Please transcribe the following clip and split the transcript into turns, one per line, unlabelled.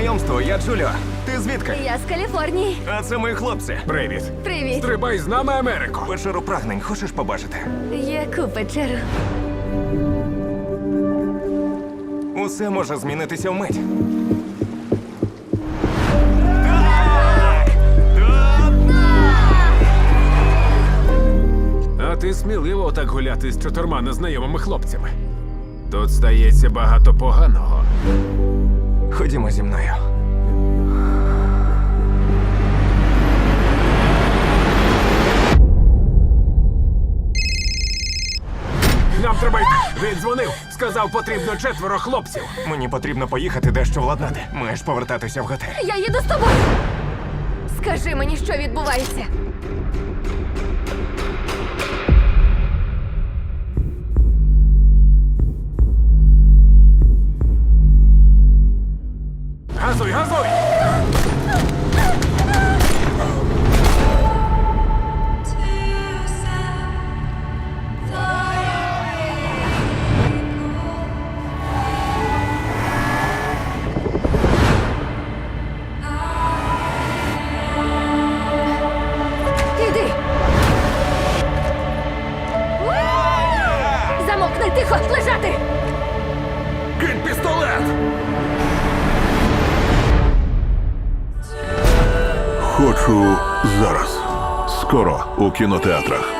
знайомству, я Джуліо. Ти звідки?
Я з Каліфорнії.
А це мої хлопці.
Привіт.
Привіт.
Стрибай з нами Америку.
Печеру прагнень хочеш побачити?
Яку печеру?
Усе може змінитися вмить.
А ти сміливо отак гуляти з 4 незнайомими хлопцями. Тут стається багато поганого.
Ходімо зі мною.
Нам треба йти. Він дзвонив. Сказав, потрібно 4 хлопців.
Мені потрібно поїхати дещо владнати. Маєш повертатися в готель.
Я їду з тобою. Скажи мені, що відбувається.
Газуй, газуй!
Іди. Замовкни, тихо, лежати.
Кинь пістолет!
Хочу зараз. Скоро у кінотеатрах.